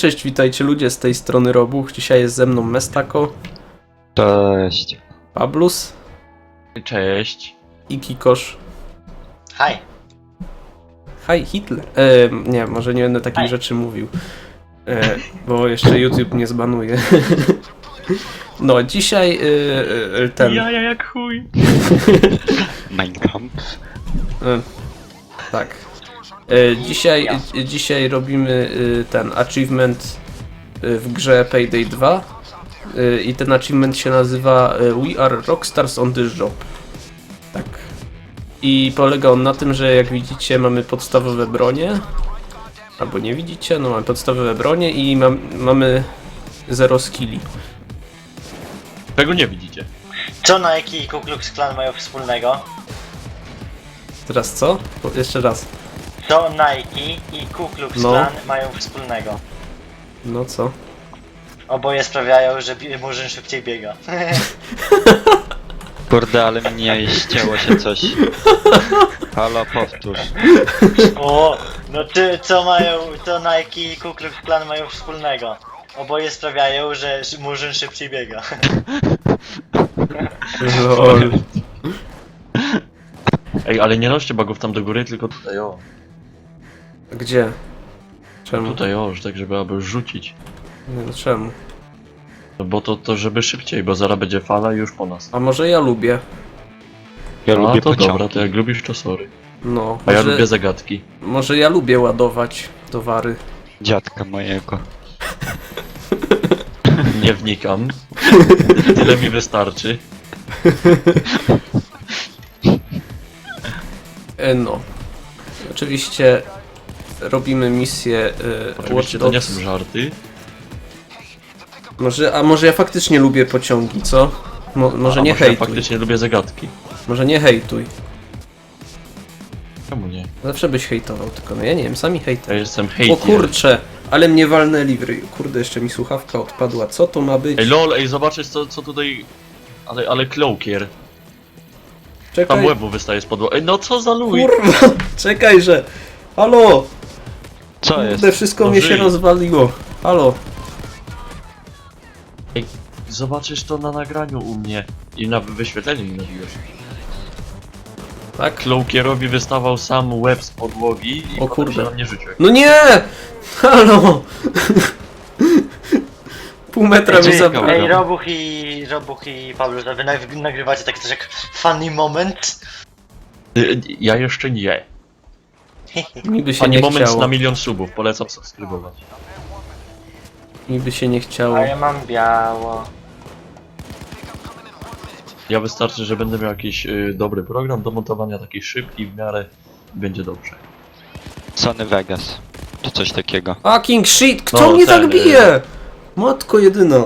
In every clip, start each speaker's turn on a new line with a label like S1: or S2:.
S1: cześć, witajcie ludzie z tej strony Robuch. Dzisiaj jest ze mną Mestako,
S2: Cześć.
S1: Pablus
S3: Cześć.
S1: i Kikosz.
S4: Hi.
S1: Hi Hitler. Nie, może nie będę takich rzeczy mówił, bo jeszcze YouTube mnie zbanuje. No, dzisiaj ten...
S3: Ja jak chuj.
S2: Minecraft.
S1: Tak. Dzisiaj robimy ten achievement w grze Payday 2 i ten achievement się nazywa We are Rockstars on this job. Tak. I polega on na tym, że jak widzicie mamy podstawowe bronie, albo nie widzicie, no mamy podstawowe bronie i mamy 0 skilli.
S3: Tego nie widzicie.
S4: Co Nike i Ku Klux Klan mają wspólnego?
S1: Teraz co? Jeszcze raz.
S4: Co Nike i Ku Klux
S1: No.
S4: Klan mają wspólnego?
S1: No co?
S4: Oboje sprawiają, że Murzyn szybciej biega.
S2: Kurde, ale mnie ścięło się coś. Halo, powtórz.
S4: O, no co Nike i Ku Klux Klan mają wspólnego? Oboje sprawiają, że Murzyn szybciej biega.
S1: Lol.
S3: Ej, ale nie noście bugów tam do góry, tylko tutaj o.
S1: Gdzie? Czemu?
S3: Tutaj o, że tak żeby aby rzucić.
S1: Nie, no czemu?
S3: No bo to żeby szybciej, bo zaraz będzie fala i już po nas.
S1: A może ja lubię?
S2: Ja lubię
S3: to
S2: pociągi.
S3: dobra, to jak lubisz to sorry.
S1: No,
S3: A ja
S1: może,
S3: lubię zagadki.
S1: może ja lubię ładować towary.
S2: Dziadka mojego.
S3: Nie wnikam. Tyle mi wystarczy.
S1: No. Oczywiście robimy misję Watch
S3: Oczywiście to nie
S1: Dogs.
S3: są żarty.
S1: Może ja faktycznie lubię pociągi, co? Może nie
S3: może ja
S1: hejtuj.
S3: faktycznie lubię zagadki.
S1: Może nie hejtuj.
S3: Czemu nie?
S1: Zawsze byś hejtował, tylko no ja nie wiem, sami
S3: Ja
S1: hejter.
S3: jestem
S1: O
S3: hejter.
S1: kurcze, ale mnie walnęli w ryj. Kurde, jeszcze mi słuchawka odpadła. Co to ma być?
S3: Ej lol, ej zobaczysz co tutaj... Ale cloakier. Tam
S1: Czekaj,
S3: łebu wystaje z podłogi. Ej no co za luj!
S1: kurwa, czekaj, że... Halo!
S2: Co jest?
S1: Kurde, wszystko
S3: No
S1: mnie się
S3: żyj.
S1: rozwaliło. Halo.
S3: Ej, zobaczysz to na nagraniu u mnie. I na wyświetleniu mi nabiłeś.
S1: Tak?
S3: Cloakierowi wystawał sam łeb z podłogi i
S1: O
S3: potem
S1: kurde.
S3: się na mnie rzucił.
S1: No nie! Halo! Pół metra mi
S2: Ej,
S1: zabrał.
S4: Ej, Robuch i Pablo, wy nagrywacie tak coś jak funny moment?
S3: Ja jeszcze nie.
S1: Niby się
S3: Pani
S1: nie
S3: moment
S1: chciało.
S3: na 1 000 000 subów, polecam subskrybować.
S1: Niby się nie chciało.
S4: A ja mam biało.
S3: Ja wystarczy, że będę miał jakiś dobry program do montowania, taki szybki w miarę i będzie dobrze.
S2: Sony Vegas. Czy coś takiego.
S1: Fucking shit! Kto
S3: No,
S1: mnie
S3: ten,
S1: tak bije? Matko jedyna.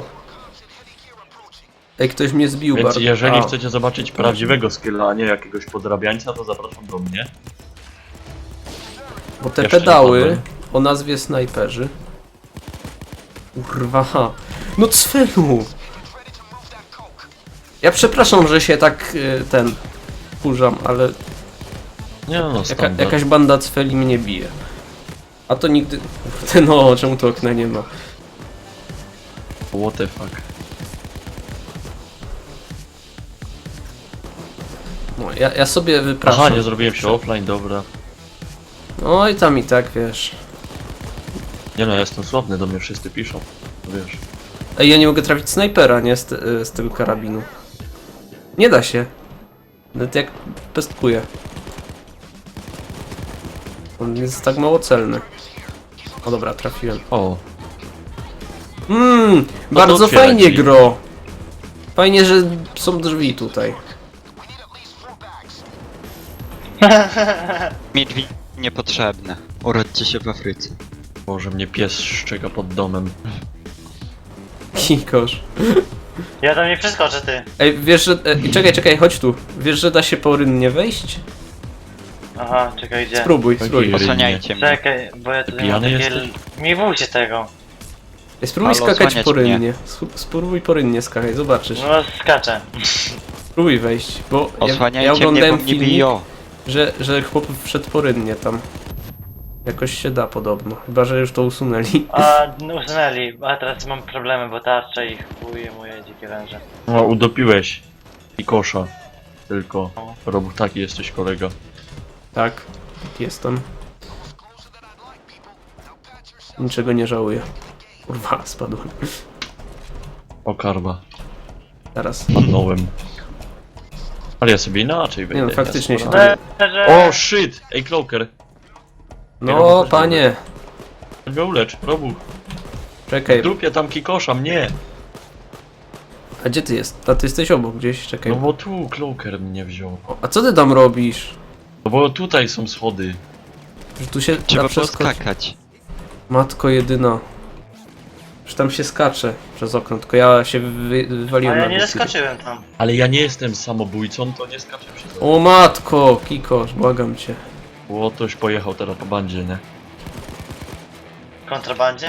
S1: Ej, ktoś mnie zbił
S3: Więc
S1: bardzo.
S3: jeżeli
S1: A,
S3: chcecie zobaczyć prawdziwego skilla, a nie jakiegoś podrabiańca, to zapraszam do mnie.
S1: bo te
S3: jeszcze nie
S1: pedały
S3: padłem.
S1: o nazwie snajperzy. Kurwa. No cfelu! Ja przepraszam, że się tak wkurzam, ale
S3: Nie no, standard.
S1: jakaś banda cfeli mnie bije. A to nigdy... Kurde, no, czemu to okna nie ma?
S3: What the fuck.
S1: No, ja sobie wypraszam.
S3: Aha, nie zrobiłem się offline, dobra.
S1: No i tam i tak, wiesz.
S3: Nie no, ja jestem sławny, do mnie wszyscy piszą. Wiesz.
S1: Ej, ja nie mogę trafić snajpera, nie? Z tego karabinu. Nie da się. Nawet jak pestkuję. On jest tak mało celny. O dobra, trafiłem.
S3: O,
S1: Bardzo
S3: otwieraj
S1: fajnie
S3: drzwi.
S1: gro. Fajnie, że są drzwi tutaj.
S2: Mi drzwi niepotrzebne. Urodźcie się w Afryce.
S3: Boże, mnie pies szczeka pod domem.
S1: Kikosz.
S4: Ja tam nie przeskoczę, ty.
S1: Ej, wiesz, że... czekaj, chodź tu. Wiesz, że da się po rynnie wejść?
S4: Aha, czekaj, gdzie?
S1: Spróbuj,
S3: Taki
S1: spróbuj.
S3: rynek.
S2: Osłaniajcie mnie.
S4: Czekaj, bo ja tutaj mam
S3: pijany
S4: takie...
S3: jesteś?
S4: Nie bójcie tego.
S1: Ej, spróbuj
S2: Halo,
S1: skakać
S2: osłaniać
S1: po
S2: mnie.
S1: rynnie. Spróbuj po rynnie skakać, zobaczysz.
S4: No skaczę.
S1: Spróbuj wejść, bo ja
S2: Osłaniajcie mnie, bo
S1: oglądałem
S2: mnie
S1: filmik,
S2: biją.
S1: że chłop wszedł po rynnie tam. Jakoś się da podobno, chyba że już to usunęli.
S4: A, no, usunęli, a teraz mam problemy, bo tarcza i chuje moje dzikie węże.
S3: No, udopiłeś. I kosza. Tylko. Robuch, taki jesteś kolega.
S1: Tak, jestem. Niczego nie żałuję. Kurwa, spadłem.
S3: O karma.
S1: Teraz.
S3: Padnąłem. Ale ja sobie inaczej wejdę.
S1: Nie no, faktycznie się
S3: sporo.
S1: to...
S3: O shit! Ej, Cloaker.
S1: No, panie.
S3: Chodź go ulecz, Robuch.
S1: Czekaj,
S3: W dupie tam kikosza, mnie.
S1: a gdzie ty jest? A ty jesteś obok gdzieś, czekaj.
S3: No bo tu Cloaker mnie wziął.
S1: A co ty tam robisz?
S3: No bo tutaj są schody.
S1: Że tu się
S2: Trzeba
S1: da przeskoczyć.
S2: poskakać.
S1: Matko jedyna. Że tam się skacze przez okno, tylko ja się
S4: A
S1: wywaliłem
S4: ja
S1: na
S4: nie
S1: głupi.
S4: zaskoczyłem tam.
S3: Ale ja nie jestem samobójcą, to nie skaczę przez to.
S1: O matko, Kikosz, błagam cię.
S3: Bo ktoś pojechał teraz po bandzie, nie?
S4: Kontrabandzie?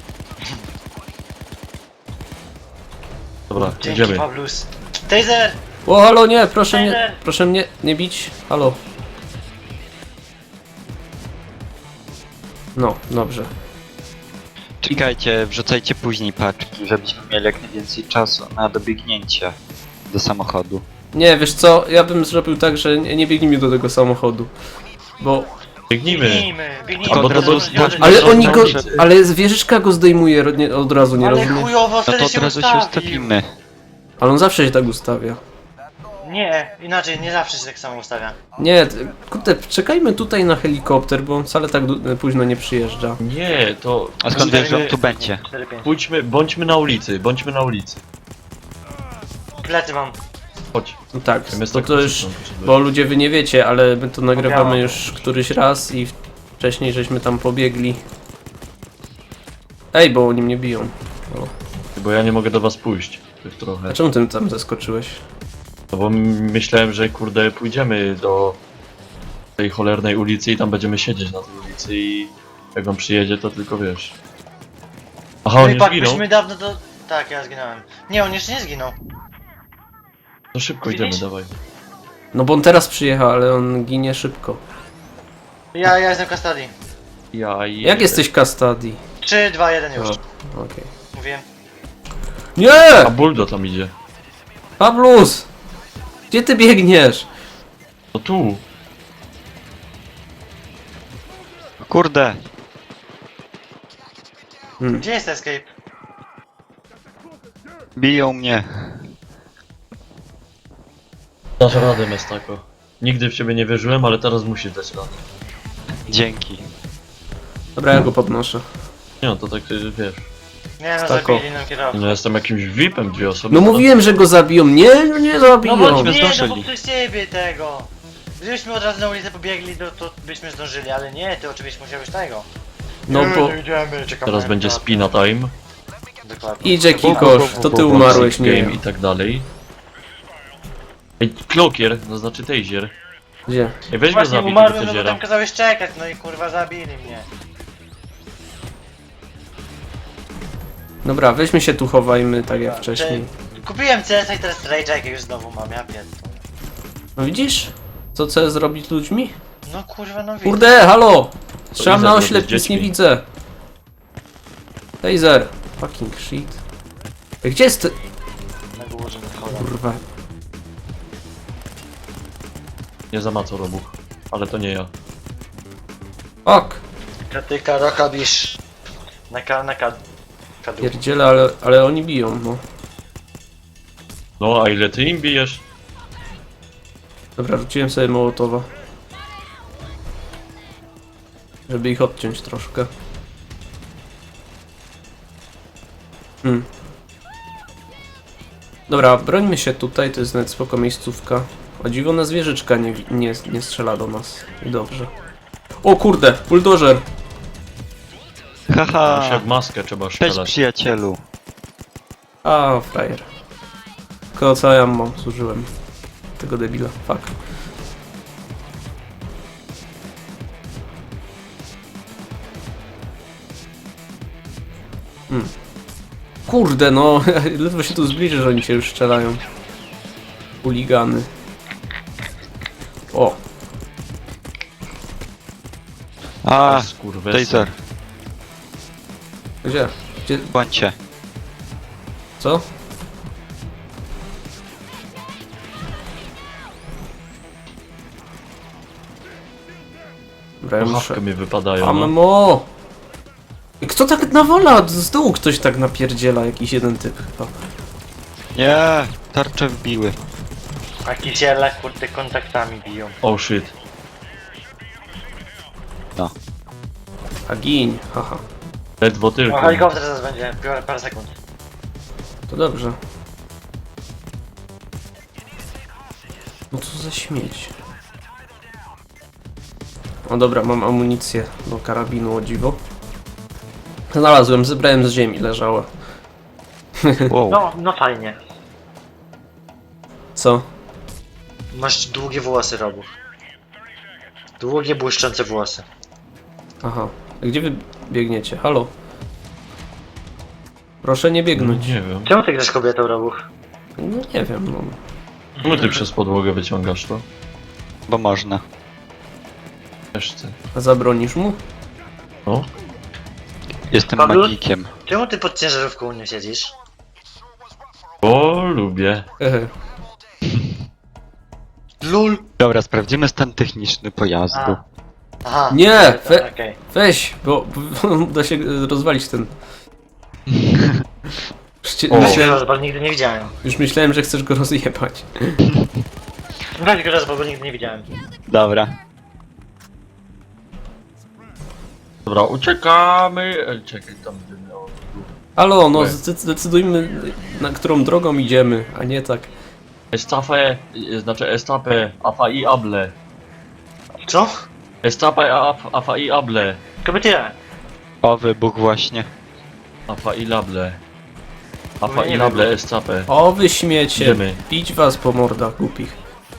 S3: Dobra,
S4: Dzięki,
S3: idziemy.
S4: Pablus. Taser!
S1: O, halo, nie, proszę
S4: Taser!
S1: proszę mnie nie bić. Halo. No, dobrze.
S2: Czekajcie, wrzucajcie później paczki, żebyśmy mieli jak najwięcej czasu na dobiegnięcie do samochodu.
S1: Nie, wiesz co, ja bym zrobił tak, że nie biegnijmy do tego samochodu. Bo...
S3: Biegnijmy.
S4: Biegnijmy.
S3: Albo
S2: to
S3: to
S2: zostawmy.
S1: Ale
S3: to
S1: oni go...
S3: zdążyć.
S1: Ale wieżyczka go zdejmuje od razu, nie
S4: Ale
S1: rozumiesz?
S4: chujowo
S2: No
S4: wtedy
S2: to od
S4: się
S2: razu się
S4: ustawił.
S2: ustawimy.
S1: Ale on zawsze się tak ustawia.
S4: Nie, inaczej, nie zawsze się tak samo ustawia.
S1: Nie, kurde, czekajmy tutaj na helikopter, bo on wcale tak późno nie przyjeżdża.
S3: Nie, to...
S2: A skąd wiesz, że on tu będzie?
S4: 4-5.
S3: Bądźmy na ulicy, bądźmy na ulicy.
S4: Plecy mam.
S3: Chodź.
S1: No tak,
S3: Zamiast
S1: bo
S3: tak
S1: to już...
S3: krzyczeć,
S1: Bo ludzie wy nie wiecie, ale my to nagrywamy
S4: Pobiałam.
S1: już któryś raz i wcześniej żeśmy tam pobiegli. Ej, bo oni mnie biją. O.
S3: Bo ja nie mogę do was pójść. Tak trochę.
S1: A czemu ty tam zaskoczyłeś?
S3: No bo myślałem, że kurde pójdziemy do tej cholernej ulicy i tam będziemy siedzieć na tej ulicy i jak on przyjedzie to tylko wiesz. Aha, on
S4: No i
S3: już
S4: pak,
S3: zginął?
S4: byśmy dawno do... Tak, ja zginąłem. Nie, on jeszcze nie zginął.
S3: To szybko
S4: Widzisz?
S3: idziemy, dawaj.
S1: No bo on teraz przyjechał, ale on ginie szybko.
S4: Ja jestem Custody.
S1: Jak jesteś Custody?
S4: 3, 2, 1 już.
S1: Okej.
S4: Mówiłem.
S1: Nie!
S3: A Buldo tam idzie.
S1: Pablus! Gdzie ty biegniesz?
S3: No tu.
S2: Kurde!
S4: Gdzie jest escape?
S2: Biją mnie.
S3: Dasz radę, Mestako. Nigdy w ciebie nie wierzyłem, ale teraz musisz dać radę.
S2: Dzięki.
S1: Dobra, ja go podnoszę.
S3: Nie no, to tak wiesz.
S4: Nie no,
S1: Stako.
S4: zabili nam kierowcę.
S3: No jestem jakimś VIP-em, dwie osoby.
S1: No mówiłem, że go zabiją. Nie, no nie
S4: No
S1: zabiją.
S4: bo
S2: Chodźmy,
S4: nie, no bo
S2: zdążyli.
S4: przez ciebie tego. Gdybyśmy od razu na ulicę pobiegli, to byśmy zdążyli, ale nie, ty oczywiście musiałeś tego.
S1: No bo...
S4: Idziemy, czekamy
S3: Teraz
S4: na
S3: będzie
S4: kierowcę.
S3: spina time,
S4: Dokładnie.
S1: Idzie Kikosz, to ty umarłeś, nie ja.
S3: game i tak dalej. Ej, Cloakier, to znaczy Taser.
S1: Gdzie?
S3: Ej, weź go
S4: Właśnie
S3: zabij
S4: umarłem,
S3: tego
S4: no bo
S3: Tasera.
S4: tam kazałeś czekać, no i kurwa zabili mnie.
S1: Dobra, weźmy się tu chowajmy, tak jak wcześniej.
S4: Kupiłem CS i teraz Rage'a już znowu mam, ja pierdolę.
S1: No widzisz? Co chce zrobić z ludźmi?
S4: No kurwa, no widzę.
S1: Kurde, halo! Strzelam
S3: widzę,
S1: na
S3: robię
S1: oślep,
S3: z
S1: nic nie
S3: dziećmi.
S1: widzę. Taser. Fucking shit. Ej, gdzie jest ty?
S4: Na górze, na choda.
S1: Kurwa.
S3: Nie zamacał Robuch, ale to nie ja.
S1: Ok.
S4: Katyka, rokabisz. Na kadu.
S1: Pierdziele, ale oni biją, no.
S3: No, a ile ty im bijesz?
S1: Dobra, rzuciłem sobie Mołotowa. Żeby ich odciąć troszkę. Dobra, brońmy się tutaj, to jest nawet spoko miejscówka. O dziwo, na zwierzyczka nie strzela do nas. I dobrze. O kurde, buldożer!
S3: Już
S2: Haha!
S3: jak maskę trzeba
S2: Cześć
S3: strzelać.
S2: przyjacielu.
S1: A, frajer. Tylko co ja mam, zużyłem. Tego debila, fuck. Kurde no, ledwo się tu zbliży, że oni się już strzelają. Chuligany. O,
S2: A,
S3: Skurwesy.
S2: Taser,
S1: Gdzie? Gdzie?
S2: bądźcie.
S1: Co? Dobra, ja muszę...
S3: Puchawkę mi wypadają. No.
S1: Ammo! Kto tak nawala? Z dołu ktoś tak napierdziela, jakiś jeden typ chyba.
S2: Nie, tarcze wbiły.
S4: A kisiele kurde kontaktami biją.
S3: Oh shit.
S1: A gin, haha.
S3: Ledwo
S4: O,
S3: tylko.
S4: helikopter zaraz będzie, biorę parę sekund.
S1: To dobrze. No co za śmieć. O dobra, mam amunicję do karabinu, o dziwo. Znalazłem, zebrałem z ziemi, leżała.
S2: Wow.
S4: No fajnie.
S1: Co?
S4: Masz długie włosy, Robu. Długie, błyszczące włosy.
S1: Aha. A gdzie wy biegniecie? Halo? Proszę nie
S3: No,
S1: biegnąć.
S3: nie wiem.
S4: Czemu ty grasz kobietą, Robu?
S1: No nie wiem, no.
S3: Czemu ty przez podłogę wyciągasz to?
S2: Bo można.
S3: Też chcę.
S1: A zabronisz mu?
S3: No.
S2: Jestem
S4: Pablo?
S2: magikiem.
S4: Czemu ty pod ciężarówką nie siedzisz?
S3: Bo lubię.
S1: Hehe.
S4: LUL!
S2: Dobra, sprawdzimy stan techniczny pojazdu.
S4: A. Aha.
S1: Nie!
S4: Okej.
S1: Weź, bo da się rozwalić ten...
S3: O.
S1: Myślałem,
S4: Bo nigdy nie widziałem.
S1: już myślałem, że chcesz go rozjebać.
S4: Weź go raz, bo go nigdy nie widziałem.
S2: Dobra.
S3: Dobra, uciekamy. Czekaj, tam by miało.
S1: Halo, no
S3: Łe.
S1: zdecydujmy, na którą drogą idziemy, a nie tak.
S3: Estafe, znaczy estape, afa i able.
S4: Co?
S3: Estape, afa i able.
S4: Kobiety.
S2: O, wybuch właśnie.
S3: Afa i lable. Afa
S4: Nie
S3: i lable, estape.
S1: O, wy śmiecie!
S3: Idziemy.
S1: Bić was po mordach głupich.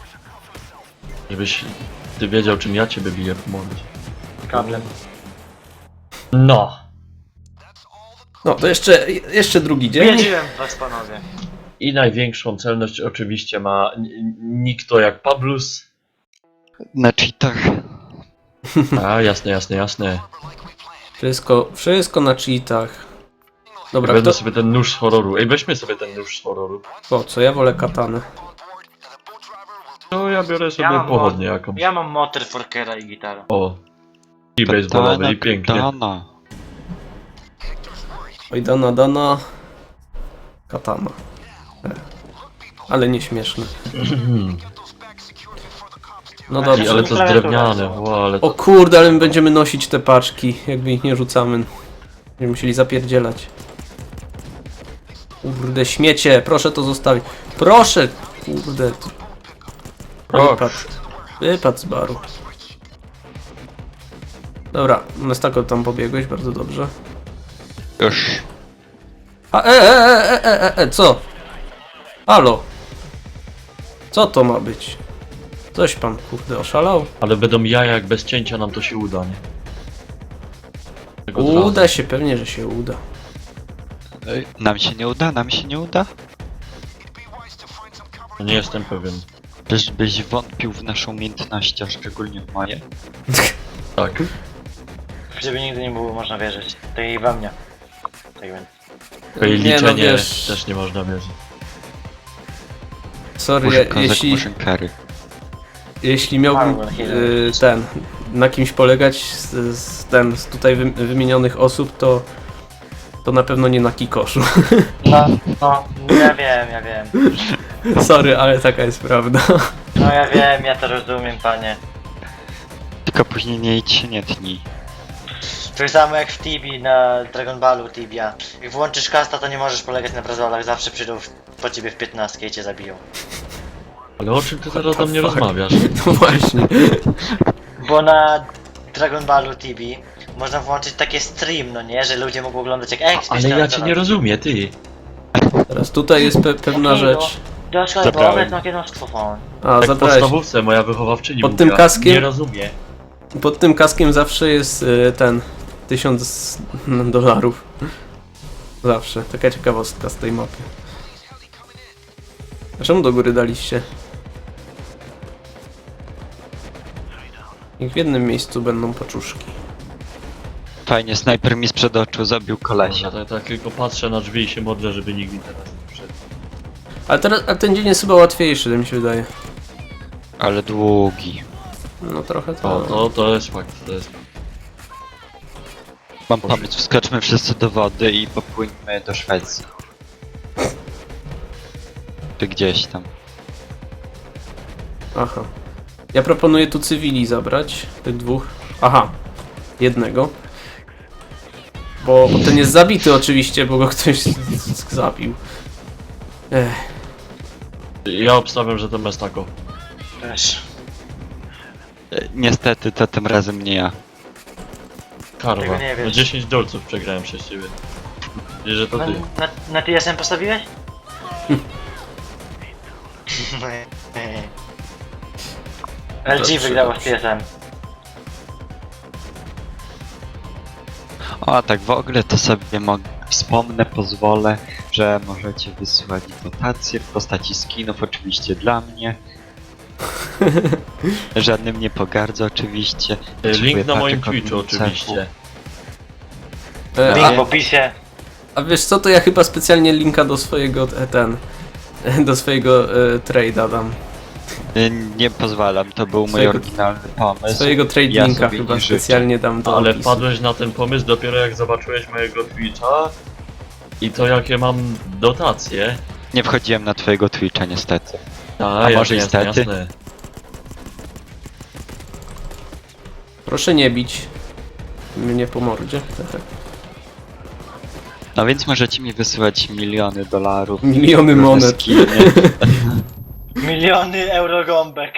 S3: Żebyś ty wiedział, czym ja ciebie biję po mordzie.
S4: Kablem.
S3: No.
S1: No, to jeszcze drugi dzień.
S4: Wiedziałem was, panowie.
S3: I największą celność oczywiście ma nikto jak Pablus.
S2: Na cheatach.
S3: A, jasne, jasne, jasne.
S1: Wszystko na cheatach. Dobra,
S3: Będę
S1: kto...
S3: sobie ten nóż z horroru. Ej, weźmy sobie ten nóż z horroru.
S1: O, co, ja wolę katanę.
S3: No, ja biorę sobie
S4: Ja mam
S3: pochodnię jakąś.
S4: Ja mam motor, forkera i gitarę.
S3: O. I baseballowy i pięknie.
S2: Katana.
S1: Oj, dana. Katana. Ale nieśmieszne. No
S3: Ej,
S1: dobrze.
S3: ale to jest drewniane, wow, ale
S1: O
S3: to...
S1: kurde, ale my będziemy nosić te paczki, jakby ich nie rzucamy. Będziemy musieli zapierdzielać. Kurde, śmiecie, proszę to zostawić. Proszę! Kurde. Wypadł z baru. Dobra, Mestako tam pobiegłeś, bardzo dobrze.
S2: Już.
S1: A co? Halo? Co to ma być? Coś pan, kurde, oszalał?
S3: Ale będą jaja, jak bez cięcia nam to się uda, nie? Tego od razu.
S1: Uda się, pewnie, że się uda.
S2: Ej, nam się nie uda, nam się nie uda?
S3: Nie jestem pewien.
S2: Byś wątpił w nasze umiejętności, a szczególnie w moje.
S3: Tak.
S4: Żeby nigdy nie było można wierzyć. Tak i we mnie. Tak więc.
S3: Twoje
S1: Nie, no
S3: liczenie
S1: wiesz,
S3: też nie można wierzyć.
S1: sorry,
S2: Murzyn kozak,
S1: jeśli...
S2: murzyn kary.
S1: Jeśli miałbym na kimś polegać z tutaj wymienionych osób, to na pewno nie na Kikoszu.
S4: No, ja wiem.
S1: Sorry, ale taka jest prawda.
S4: No ja wiem, ja to rozumiem, panie.
S2: Tylko później nie idź się nie tnij.
S4: Tak samo jak w Tibi na Dragon Ballu Tibia. Jak włączysz kasta, to nie możesz polegać na brazolach, zawsze przyjdą po ciebie w 15 i cię zabiją.
S3: Ale o czym ty teraz do mnie
S1: fuck?
S3: rozmawiasz?
S1: No właśnie.
S4: Bo na Dragon Ballu Tibi można włączyć takie stream, no nie? Że ludzie mogą oglądać jak
S3: Ale ja cię nie rozumiem, ty.
S1: Teraz tutaj jest pewna rzecz.
S4: Doszło
S2: Zabrałem.
S4: na kienoskopon.
S1: A,
S3: Tak w
S1: zabrałeś.
S3: podstawówce moja wychowawczyni
S1: Pod
S3: mówiła,
S1: tym kaskiem?
S3: nie rozumie.
S1: Pod tym kaskiem zawsze jest ten 1000 dolarów. Zawsze. Taka ciekawostka z tej mapy. A czemu do góry daliście? Niech w jednym miejscu będą paczuszki.
S2: Fajnie, snajper mi sprzed oczu zabił kolesia.
S3: Ja tak tylko patrzę na drzwi i się modlę, żeby nikt mi teraz nie wszedł.
S1: Ale ten dzień jest chyba łatwiejszy, to mi się wydaje.
S2: Ale długi.
S1: No trochę
S3: O,
S1: to.
S3: to jest fakt, to jest fakt.
S2: Mam pomysł, wskoczmy wszyscy do wody i popłyńmy do Szwecji. Czy gdzieś tam.
S1: Aha. Ja proponuję tu cywili zabrać, tych dwóch. Aha, jednego. Bo ten jest zabity oczywiście, bo go ktoś zabił.
S3: Ja obstawiam, że to Mestako.
S4: Też.
S2: Niestety, to tym razem nie ja.
S3: Karwa.
S4: Tego nie wiesz.
S3: No 10 dolców przegrałem przez ciebie. Wiesz, że to ty.
S4: Na TSM postawiłeś? LG
S1: Dobrze,
S4: wygrało z
S1: dobrze.
S4: TSM.
S2: O, tak w ogóle to sobie wspomnę, pozwolę, że możecie wysyłać dotacje w postaci skinów, oczywiście dla mnie. Żadnym nie pogardzę, oczywiście.
S3: Link na moim
S2: Potrzebuję
S3: Twitchu
S2: paczek od
S3: oczywiście.
S4: Link
S1: A,
S4: w opisie.
S1: a wiesz co, to ja chyba specjalnie linka do swojego do swojego trade'a dam.
S2: Nie pozwalam, to był mój
S1: Swojego-
S2: oryginalny pomysł.
S1: Swojego trade
S2: ja
S1: linka
S2: sobie
S1: chyba
S2: nie życzę.
S1: specjalnie dam do
S3: Ale
S1: opisu.
S3: wpadłeś na ten pomysł dopiero jak zobaczyłeś mojego Twitcha i to jakie mam dotacje.
S2: Nie wchodziłem na twojego Twitcha niestety.
S3: A
S2: może
S3: jasne,
S2: niestety?
S3: jasne.
S1: Proszę nie bić mnie po mordzie.
S2: No więc możecie mi wysyłać miliony dolarów.
S1: Miliony
S2: różne
S1: monet.
S2: skiny.
S4: Miliony eurogąbek.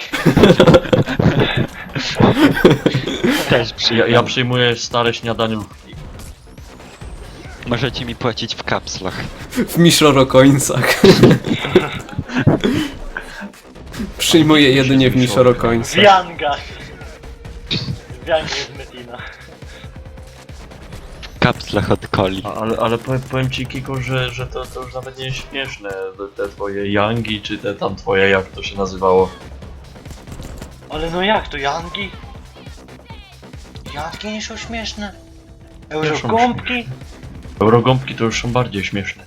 S2: Też
S3: Ja przyjmuję stare śniadaniówki.
S2: Możecie mi płacić w kapslach.
S1: W Mishoro-coinsach. Przyjmuję jedynie w
S4: W
S1: Mishoro-coinsach.
S4: Yangach. W Yangach z Metina.
S2: W kapslach od coli.
S3: Ale powiem ci Kiko, że to już nawet nie jest śmieszne. Te twoje Yangi, czy te tam twoje, jak to się nazywało.
S4: Ale no jak to, Yangi? Yangi nie są śmieszne. Eurogąbki?
S3: Eurogąbki to już są bardziej śmieszne.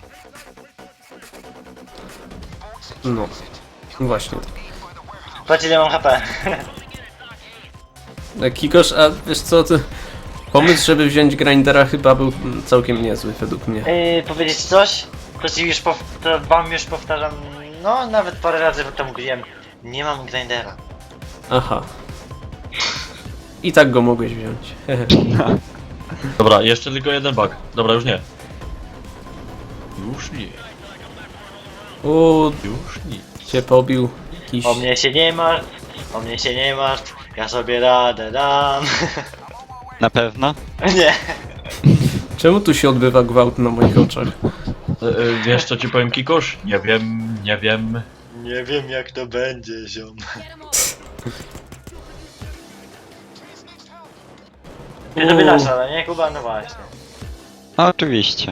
S1: No. Właśnie.
S4: Patrz ile mam HP.
S1: Kikosz, a wiesz co, ty... Pomysł, żeby wziąć grindera chyba był całkiem niezły według mnie.
S4: Powiedzieć coś? To ci już to wam już powtarzam, no nawet parę razy to mówiłem. Nie mam grindera.
S1: Aha. I tak go mogłeś wziąć.
S3: Dobra, jeszcze tylko jeden bug. Dobra, już nie. Już nie.
S1: O,
S3: Już nie.
S1: cię pobił jakiś...
S4: O mnie się nie martw, o mnie się nie martw, ja sobie radę dam.
S2: Na pewno?
S4: Nie.
S1: Czemu tu się odbywa gwałt na moich oczach?
S3: Wiesz co ci powiem Kikosz? Nie wiem, nie wiem.
S4: Nie wiem jak to będzie, ziom. Nie to wydasz, ale nie Kuba? No właśnie.
S2: No oczywiście.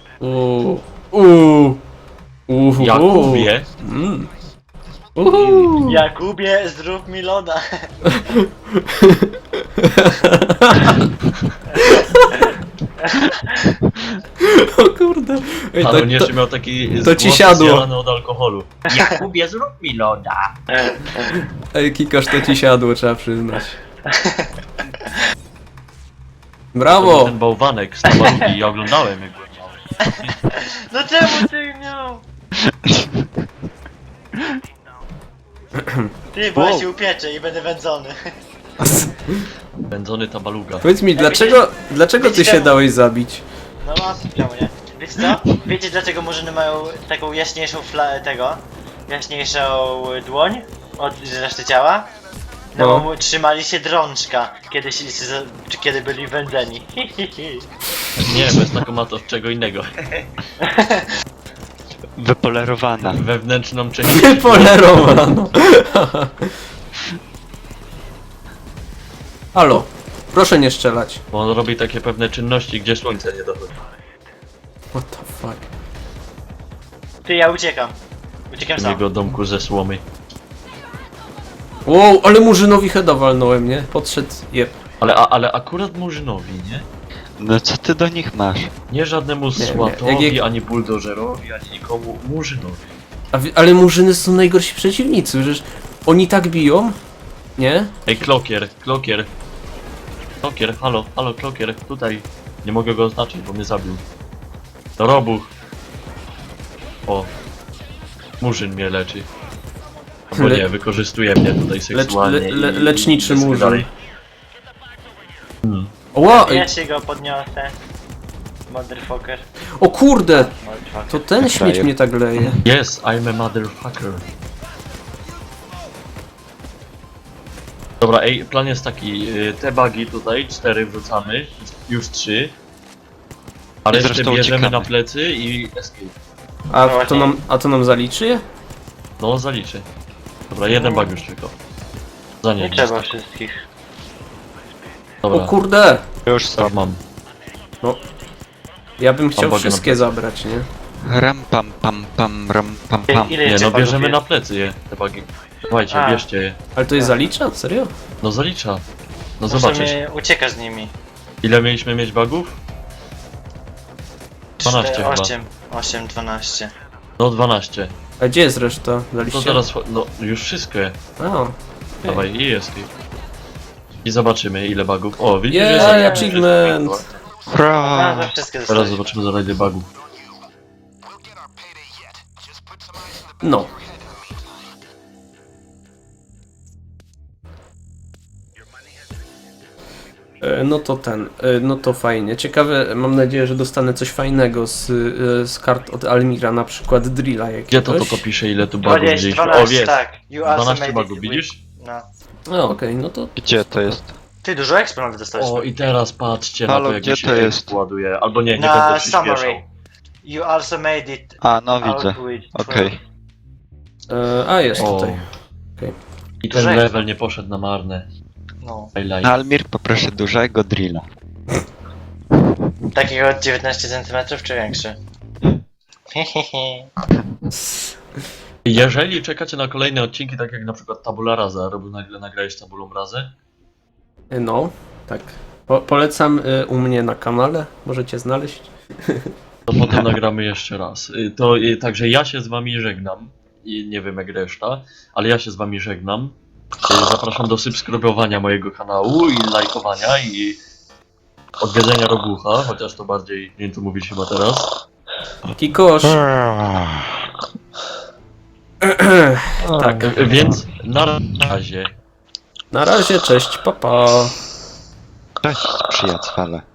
S3: Jakubie.
S1: Mm.
S4: Jakubie, zrób mi loda.
S1: O kurde. Ej,
S3: Ale
S1: to,
S3: jeszcze miał taki
S1: to ci
S3: głos
S1: siadło.
S3: zjarany od alkoholu. Jakubie, zrób mi loda.
S1: ej, Kikosz, to ci siadło, trzeba przyznać. Brawo!
S3: Ten bałwanek z Tabalugi, ja oglądałem jak byłem mały.
S4: No czemu ty miał? Ty, bo ja się upieczę i będę wędzony.
S3: Wędzony Tabaluga.
S1: Powiedz mi, dlaczego ty się dałeś zabić?
S4: No mam czemu nie? Wiecie co? Wiecie dlaczego murzyny mają taką jaśniejszą jaśniejszą dłoń od reszty ciała? No
S1: No.
S4: bo trzymali się drążka, kiedy byli wędzeni.
S3: Nie, bez taką ma to od czego innego.
S2: Wypolerowana.
S3: Wewnętrzną część.
S1: Polerowano. Halo, proszę nie strzelać.
S3: Bo on robi takie pewne czynności, gdzie słońce nie dochodzi.
S1: What the fuck?
S4: Ty, ja uciekam. Uciekam
S3: W
S4: sam.
S3: jego domku ze słomy.
S1: Wow, ale murzynowi heada walnąłem, nie? Podszedł, jeb.
S3: Ale akurat Murzynowi, nie?
S2: No co ty do nich masz?
S3: Nie żadnemu
S1: nie.
S3: Swatowi,
S1: Jak-
S3: ani buldożerowi, ani nikomu Murzynowi.
S1: Ale murzyny są najgorsi przeciwnicy, przecież oni tak biją, nie?
S3: Ej, Klokier, halo, Klokier, tutaj. Nie mogę go oznaczyć, bo mnie zabił. To Robuch. O. Murzyn mnie leczy. Albo
S1: Le-
S3: nie, wykorzystuje mnie tutaj seksualnie
S1: leczniczy
S3: i
S1: murzyn.
S3: dalej.
S1: Oła,
S4: Ja się go podniosę. Motherfucker.
S1: o kurde,
S4: Motherfucker.
S1: to ten śmieć mnie tak leje.
S3: Yes, I'm a motherfucker. Dobra, ej, plan jest taki, te bugi tutaj, 4 wrzucamy, już 3. A
S2: I
S3: resztę
S2: zresztą
S3: bierzemy
S2: uciekamy.
S3: na plecy i escape.
S1: A to nam zaliczy?
S3: No, zaliczy. Dobra, jeden bug już tylko. Za
S4: Nie
S3: nie,
S4: trzeba wszystkich.
S1: O
S3: Dobra,
S1: kurde,
S2: Już
S3: tak
S2: stop.
S3: mam.
S1: ja bym chciał
S3: bugę na
S1: wszystkie
S3: plecy.
S1: zabrać, nie?
S2: Ram pam pam pam ram pam pam.
S4: Ile
S3: Nie,
S4: jeszcze
S3: no
S4: bugów
S3: bierzemy
S4: jest?
S3: na plecy je, te bugi. Dawajcie,
S4: A.
S3: bierzcie je.
S1: Ale to jest zalicza? Serio?
S3: No zalicza. No
S4: Musimy
S3: zobaczysz.
S4: uciekać z nimi.
S3: Ile mieliśmy mieć bugów? 12 chyba.
S4: 8, 12.
S3: No 12.
S1: A gdzie jest reszta?
S3: No
S1: Zaliście?
S3: teraz, no już wszystko je.
S1: A,
S3: Dawaj, i escape. I zobaczymy ile bugów. O, widzisz,
S1: Jej,
S3: jest jakiś
S1: achievement.
S4: A,
S2: Hurra!
S4: to wszystkie
S3: Teraz
S4: zostały.
S3: zobaczymy za ile bugów.
S1: no. No to no to fajnie. Ciekawe, mam nadzieję, że dostanę coś fajnego z kart od Almira, na przykład drilla jakiegoś.
S3: Gdzie to pisze ile tu bugów
S4: 20,
S3: widzieliśmy?
S4: 12,
S3: O, jest.
S4: tak. You also
S3: 12
S4: made
S3: bugów,
S4: it
S3: widzisz?
S4: No.
S1: No okej, no to
S2: Gdzie to jest?
S4: Ty dużo eksponatów dostałeś.
S3: O, i teraz patrzcie na
S2: Halo,
S3: to, jak
S2: gdzie
S3: mi się
S2: to jest?
S3: ładuje. Albo nie
S4: Na
S3: będę przyspieszał.
S4: summary. You also made it
S2: A, no
S4: out
S2: widzę.
S4: with
S2: Okej.
S1: a jest
S3: O.
S1: tutaj.
S3: I ten
S4: Dużego.
S3: level nie poszedł na marne.
S4: No.
S3: Highlight.
S2: Almir, poproszę dużego drilla.
S4: Takiego od 19 cm czy większy? Hehehe.
S3: Jeżeli czekacie na kolejne odcinki, tak jak na przykład Tabula Rasa, robił nagle nagrałeś Tabulą Rasę,
S1: No, tak. Polecam u mnie na kanale, możecie znaleźć.
S3: to potem nagramy jeszcze raz. Także ja się z wami żegnam. I nie wiem jak reszta, ale ja się z wami żegnam. Zapraszam do subskrybowania mojego kanału i lajkowania i odwiedzenia Robucha, chociaż to bardziej nie wiem co mówić chyba teraz.
S1: Kikosz! Tak.
S3: Więc na razie.
S1: Na razie, cześć, papa.
S2: Cześć, przyjaciele.